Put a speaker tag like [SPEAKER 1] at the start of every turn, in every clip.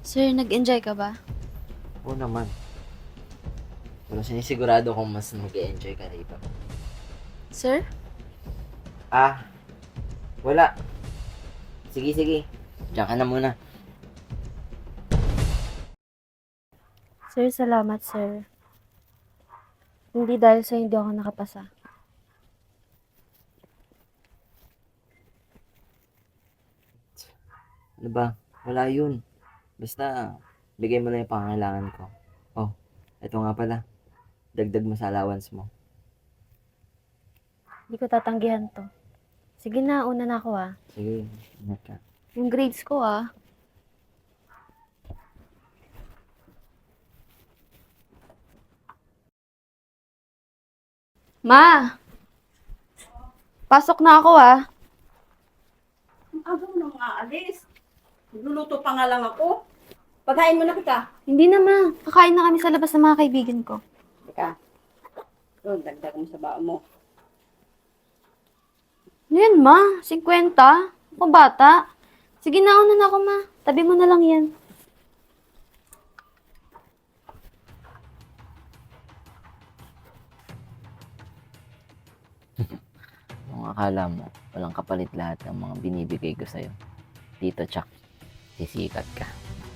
[SPEAKER 1] Sir, nag-enjoy ka ba?
[SPEAKER 2] Oo naman. Pero sinisigurado kong mas mag-e-enjoy ka rito.
[SPEAKER 1] Sir?
[SPEAKER 2] Ah, wala. Sige, sige. Diyan ka na muna.
[SPEAKER 1] Sir, salamat, sir. Hindi dahil sa hindi ako nakapasa.
[SPEAKER 2] Ano ba? Wala yun. Basta, bigay mo na yung pangangailangan ko. Oh, eto nga pala. Dagdag mo sa allowance mo.
[SPEAKER 1] Hindi ko tatanggihan to. Sige na, una na ako
[SPEAKER 2] Sige, ingat ka.
[SPEAKER 1] Yung grades ko Ma! Pasok na ako
[SPEAKER 3] Ang aga mo nang aalis. Nagluluto pa nga lang ako. Paghain mo na kita.
[SPEAKER 1] Hindi na, ma. Kakain na kami sa labas ng mga kaibigan ko.
[SPEAKER 3] Teka. Doon, dagdag mo sa baon mo.
[SPEAKER 1] Ano yan, ma? 50? Ako bata. Sige na, una na ako, ma. Tabi mo na lang yan.
[SPEAKER 2] Kung akala mo, walang kapalit lahat ng mga binibigay ko sa'yo. Dito, Chuck. Sisikat ka.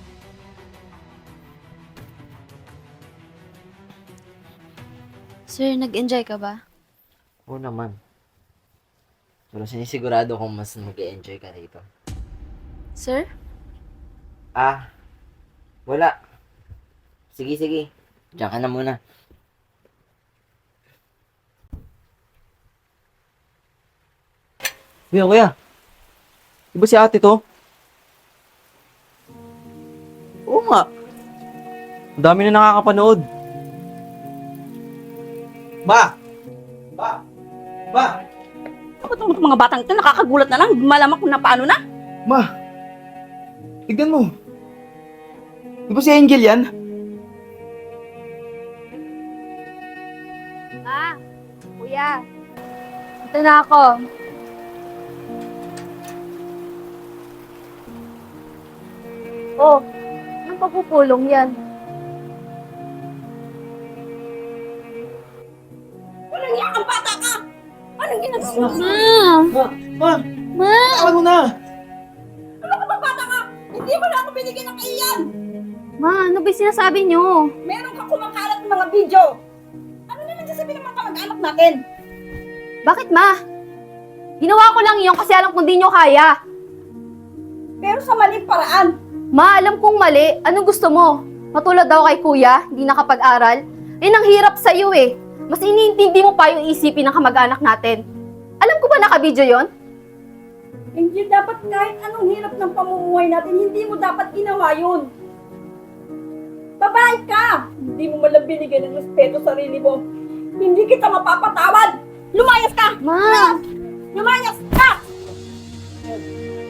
[SPEAKER 1] Sir, nag-enjoy ka ba?
[SPEAKER 2] Oo naman. Pero sinisigurado kong mas mag-e-enjoy ka rito.
[SPEAKER 1] Sir?
[SPEAKER 2] Ah, wala. Sige, sige. Diyan ka na muna.
[SPEAKER 4] Kuya, kuya. Di ba si ate to? Oo nga. Ang dami na nakakapanood. Ba! Ba! Ba!
[SPEAKER 3] Bakit itong mga batang ito nakakagulat na lang? Malamak kung na paano na.
[SPEAKER 4] Ma! Tignan mo. Di ba si Angel yan?
[SPEAKER 1] Ma! Kuya! Ito na ako. Oh, anong pagpupulong yan?
[SPEAKER 3] Walang iyak ang bata ka! Anong ginagawa mo?
[SPEAKER 1] Ma!
[SPEAKER 4] Ma!
[SPEAKER 1] Ma!
[SPEAKER 4] Tawag mo na!
[SPEAKER 3] Ano ka bang bata ka? Hindi mo na ako binigyan ng iyan!
[SPEAKER 1] Ma, ano ba yung sinasabi niyo?
[SPEAKER 3] Meron ka kumakalat ng mga video. Ano na nagsasabi ng mga kamag-anak natin?
[SPEAKER 1] Bakit, ma? Ginawa ko lang yun kasi alam kong di nyo kaya.
[SPEAKER 3] Pero sa maling paraan.
[SPEAKER 1] Ma, alam kong mali. Anong gusto mo? Matulad daw kay kuya, hindi nakapag-aral? Eh, nang hirap sa'yo eh. Mas iniintindi mo pa yung isipin ng kamag-anak natin. Alam ko ba nakabidyo yon?
[SPEAKER 3] Hindi dapat kahit anong hirap ng pamumuhay natin, hindi mo dapat ginawa yun. Babae ka! Hindi mo malang binigyan ng respeto sa sarili mo. Hindi kita mapapatawad! Lumayas ka!
[SPEAKER 1] Ma!
[SPEAKER 3] Lumayas ka!